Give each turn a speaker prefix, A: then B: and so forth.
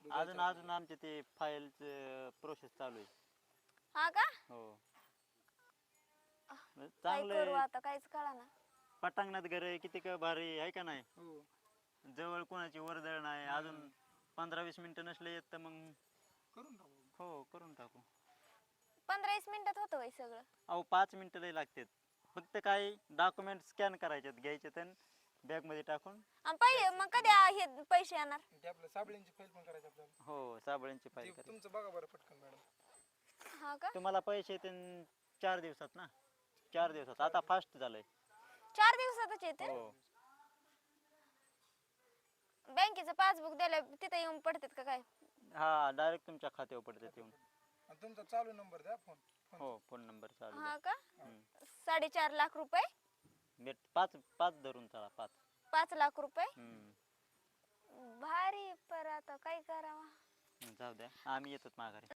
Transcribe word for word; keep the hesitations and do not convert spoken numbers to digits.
A: अजून अजून आमचे ते फाईलचं प्रोसेस चालू आहे.
B: हा का?
A: हो
B: काय
A: चांगलं
B: करू
A: आहे.
B: आता काहीच कळाना.
A: पटांगणात घर आहे किती का भारी आहे का नाही.
C: हो
A: जवळ कोणाची वर्दळ नाही. अजून पंधरा वीस मिनिटं नसले येत तर मग
C: करून टाकू.
A: हो करून टाकू.
B: पंधरा वीस मिनिटात होतं वय सगळं.
A: अहो पाच मिनिटं लई लागतात. फक्त काय डॉक्युमेंट स्कॅन करायचे घ्यायचे तर बॅगमध्ये टाकून.
B: आणि पहिले मग कधी आ- हे पैसे येणार?
C: ते आपलं साबळींची फाईल पण करायची आपल्याला.
A: हो साबळ्यांची
C: ते
A: फाईल करायची.
C: तुमचं बघा बरं पटकन मॅडम.
B: हा का?
A: तुम्हाला पैसे येतील चार दिवसात ना. चार दिवसात आता फास्ट झालंय.
B: चार दिवसातच येते.
A: हो
B: बँकेचं पासबुक द्यायला तिथे येऊन पडतात का काय?
A: हा डायरेक्ट तुमच्या खात्यावर पडतात येऊन.
C: आणि तुमचा चालू नंबर द्या फोन.
A: हो फोन नंबर चालू
B: हा
A: आहे.
B: का?
A: हम्म.
B: साडेचार लाख रुपये.
A: भेट पाच पाच धरून चला पाच.
B: पाच लाख रुपये.
A: हम्म
B: भारी. पर आता काय करावं?
A: जाऊ द्या आम्ही येतो माघारी.